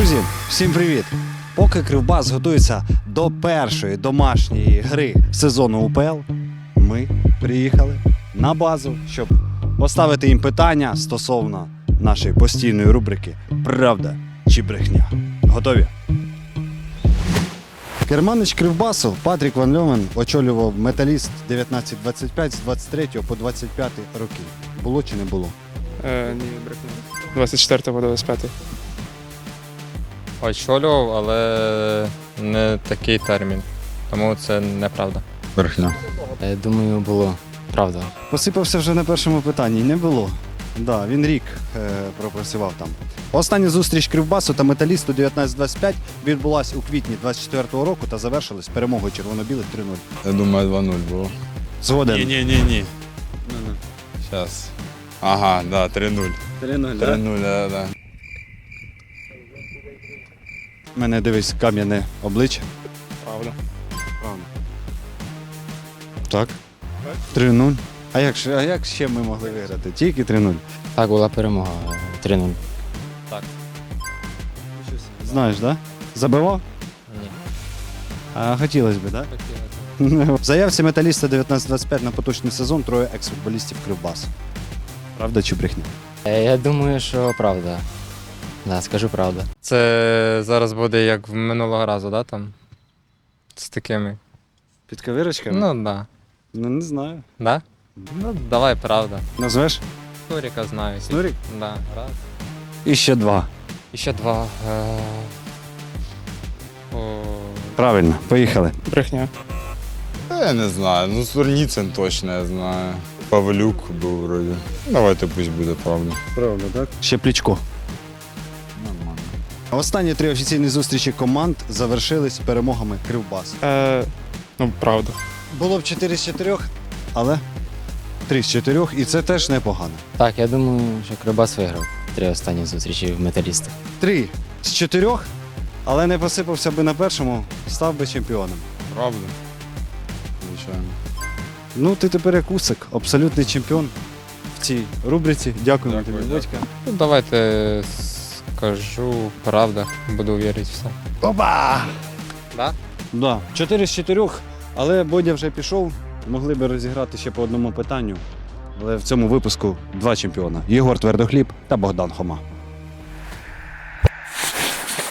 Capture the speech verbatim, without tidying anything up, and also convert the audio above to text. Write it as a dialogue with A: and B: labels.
A: Друзі, всім привіт! Поки Кривбас готується до першої домашньої гри сезону УПЛ, ми приїхали на базу, щоб поставити їм питання стосовно нашої постійної рубрики «Правда чи брехня?». Готові? Керманич Кривбасу Патрік Ван Льовен очолював Металіст дев'ятнадцять двадцять п'ять з двадцять третього по двадцять п'ятий роки. Було чи не було?
B: Е, ні, брехня. двадцять четвертого по двадцять п'ятий.
C: Очолював, але не такий термін. Тому це неправда.
A: Брехня.
D: Я думаю, було правда.
A: Посипався вже на першому питанні. Не було. Да, він рік е, пропрацював там. Остання зустріч Кривбасу та Металісту дев'ятнадцять двадцять п'ять відбулась у квітні двадцять четвертого року та завершилась перемогою червоно-білих три нуль.
E: Я думаю, два нуль було.
A: Згоден.
E: Ні-ні-ні-ні. Зараз. Ага, да, три нуль.
A: три нуль,
E: три нуль, да, да.
A: Мене дивись кам'яне обличчя.
B: Правда.
A: Правда. Так. три нуль. А як, ж- а як ще ми могли виграти? Тільки три нуль.
D: Так, була перемога три нуль.
A: Знаєш, так? Да? Забивав?
D: Ні.
A: А хотілося б, так? Да? В заявці Металіста дев'ятнадцять двадцять п'ять на поточний сезон троє екс-футболістів Кривбасу. Правда чи брехня?
D: Е, Я думаю, що правда. Да, скажу правду.
C: Це зараз буде як в минулого разу, да, там? З такими.
A: Під кавирочками?
C: Ну, да.
A: Ну, не знаю.
C: Да? Ну, давай, правда.
A: Назвеш?
C: Снуріка знаю.
A: Снурік?
C: Да, раз.
A: І ще два.
C: І ще два. Е, о,
A: Правильно, поїхали.
B: Брехня.
E: Та я не знаю. Ну, Сурніцин точно я знаю. Павлюк був вроді. Давайте пусть буде правда.
A: Правда, так? Ще Плічко.
E: Нормально.
A: Останні три офіційні зустрічі команд завершились перемогами Кривбасу.
B: Е, ну, правда.
A: Було б чотири з чотирьох, але три з чотирьох, і це теж непогано.
D: Так, я думаю, що Кривбас виграв три останні зустрічі в металістах.
A: Три з чотирьох, але не посипався би на першому, став би чемпіоном.
E: Правда? Звичайно.
A: Ну, ти тепер як Усик, абсолютний чемпіон в цій рубриці. Дякуємо
E: Дякую,
A: тобі, батька.
C: ну, давайте скажу правда. Буду вірити в все.
A: Опа!
C: Да?
A: Да, чотири з чотирьох, але Бодя вже пішов. Могли би розіграти ще по одному питанню. Але в цьому випуску два чемпіона: Єгор Твердохліб та Богдан Хома.